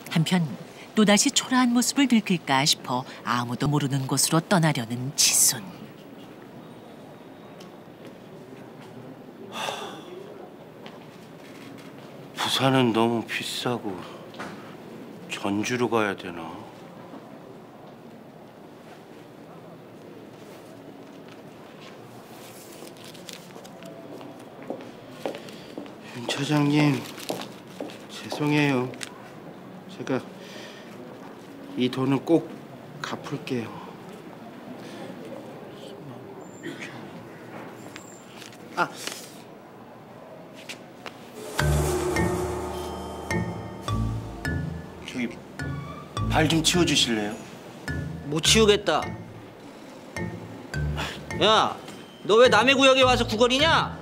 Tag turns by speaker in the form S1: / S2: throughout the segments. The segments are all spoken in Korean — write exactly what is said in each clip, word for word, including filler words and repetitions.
S1: 한편 또다시 초라한 모습을 들킬까 싶어 아무도 모르는 곳으로 떠나려는 지순.
S2: 부산은 너무 비싸고 전주로 가야 되나? 윤 차장님, 죄송해요. 제가 이 돈은 꼭 갚을게요. 아, 저기 발 좀 치워주실래요?
S3: 못 치우겠다. 야, 너 왜 남의 구역에 와서 구걸이냐?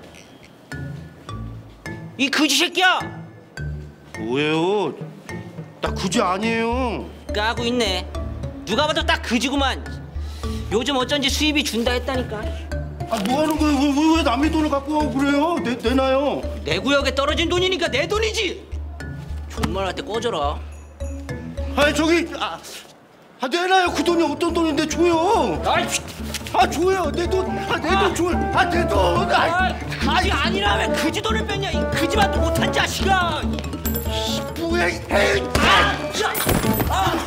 S3: 이 그지 새끼야!
S2: 뭐예요? 나 그지 아니에요.
S3: 까고 있네. 누가 봐도 딱 그지구만. 요즘 어쩐지 수입이 준다 했다니까.
S2: 아, 뭐 하는 거예요? 왜, 왜 남의 돈을 갖고 가고 그래요? 내, 내놔요.
S3: 내 구역에 떨어진 돈이니까 내 돈이지. 존말할 때 꺼져라.
S2: 아니, 저기, 아, 아 내놔요. 그 돈이 어떤 돈인데 줘요.
S3: 아이,
S2: 아, 줘요. 내 돈, 아, 내 돈 줘요. 아, 내 돈. 아,
S3: 아, 그지 아니라면 그지 돈을 뺐냐? 이 그지만도 못한 자식아.
S2: 뭐야, 에이.
S3: 아, 야, 아.